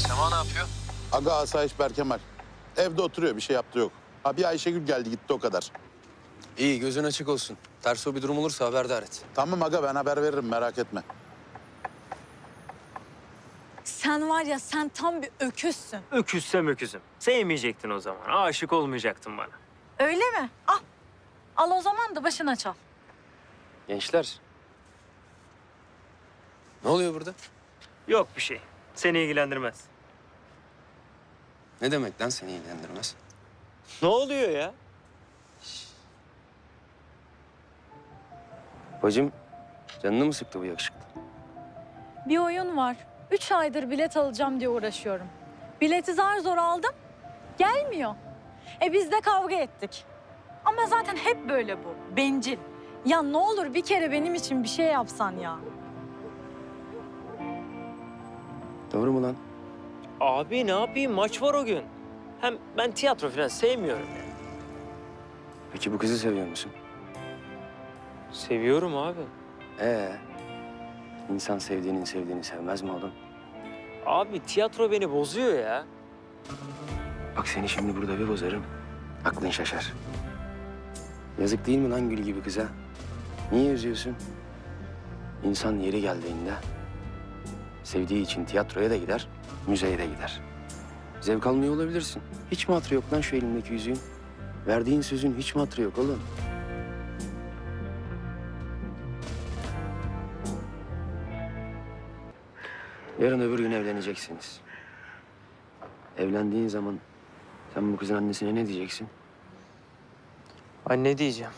Sema ne yapıyor? Aga Asayiş Berkemal. Evde oturuyor, bir şey yaptı yok. Ha bir Ayşegül geldi gitti o kadar. İyi, gözün açık olsun. Ters o bir durum olursa haberdar et. Tamam aga, ben haber veririm, merak etme. Sen var ya, sen tam bir öküzsün. Öküzsem öküzüm. Sevmeyecektin o zaman. Aşık olmayacaktın bana. Öyle mi? Al. Al o zaman da başına çal. Gençler. Ne oluyor burada? Yok bir şey. Seni ilgilendirmez. Ne demek lan seni ilgilendirmez? Ne oluyor ya? Bacım, canını mı sıktı bu yakışıklı? Bir oyun var. 3 aydır bilet alacağım diye uğraşıyorum. Bileti zar zor aldım. Gelmiyor. Biz de kavga ettik. Ama zaten hep böyle bu. Bencil. Ya ne olur bir kere benim için bir şey yapsan ya. Doğru mu lan? Abi ne yapayım? Maç var o gün. Hem ben tiyatro falan sevmiyorum ya. Peki bu kızı seviyor musun? Seviyorum abi. İnsan sevdiğinin sevdiğini sevmez mi oğlum? Abi tiyatro beni bozuyor ya. Bak seni şimdi burada bir bozarım. Aklın şaşar. Yazık değil mi lan gül gibi kıza? Niye üzüyorsun? İnsan yeri geldiğinde sevdiği için tiyatroya da gider, müzeye de gider. Zevk almıyor olabilirsin. Hiç mi hatırı yok lan şu elimdeki yüzüğün? Verdiğin sözün hiç mi hatırı yok oğlum? Yarın öbür gün evleneceksiniz. Evlendiğin zaman sen bu kızın annesine ne diyeceksin? Anne diyeceğim.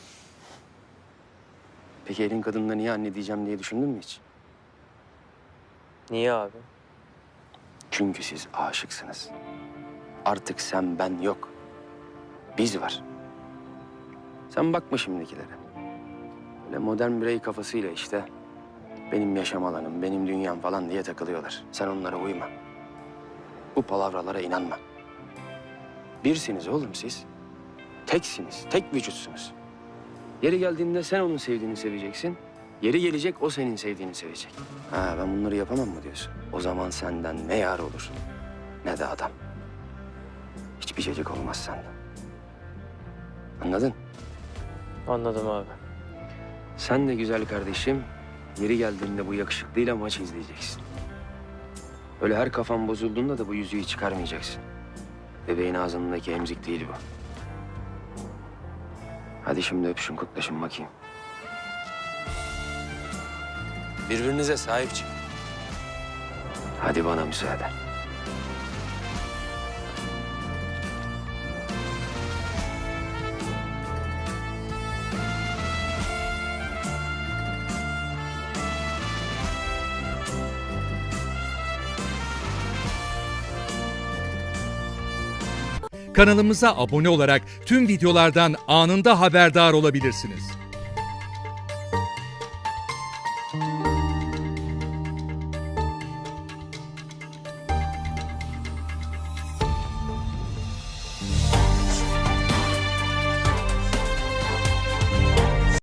Peki elin kadınına niye anne diyeceğim diye düşündün mü hiç? Niye abi? Çünkü siz aşıksınız. Artık sen ben yok. Biz var. Sen bakma şimdikilere. Böyle modern birey kafasıyla işte benim yaşam alanım, benim dünyam falan diye takılıyorlar. Sen onlara uyma. Bu palavralara inanma. Birsiniz oğlum siz. Teksiniz, tek vücutsunuz. Yeri geldiğinde sen onun sevdiğini seveceksin. Yeri gelecek o senin sevdiğini sevecek. Ha ben bunları yapamam mı diyorsun? O zaman senden ne yar olur ne de adam. Hiçbir cacık olmaz senden. Anladın? Anladım abi. Sen de güzel kardeşim yeri geldiğinde bu yakışıklıyla maç izleyeceksin. Öyle her kafan bozulduğunda da bu yüzüğü çıkarmayacaksın. Bebeğin ağzındaki emzik değil bu. Hadi şimdi öpüşün, kutlaşın bakayım. Birbirinize sahip çıkın. Hadi bana müsaade. Kanalımıza abone olarak tüm videolardan anında haberdar olabilirsiniz.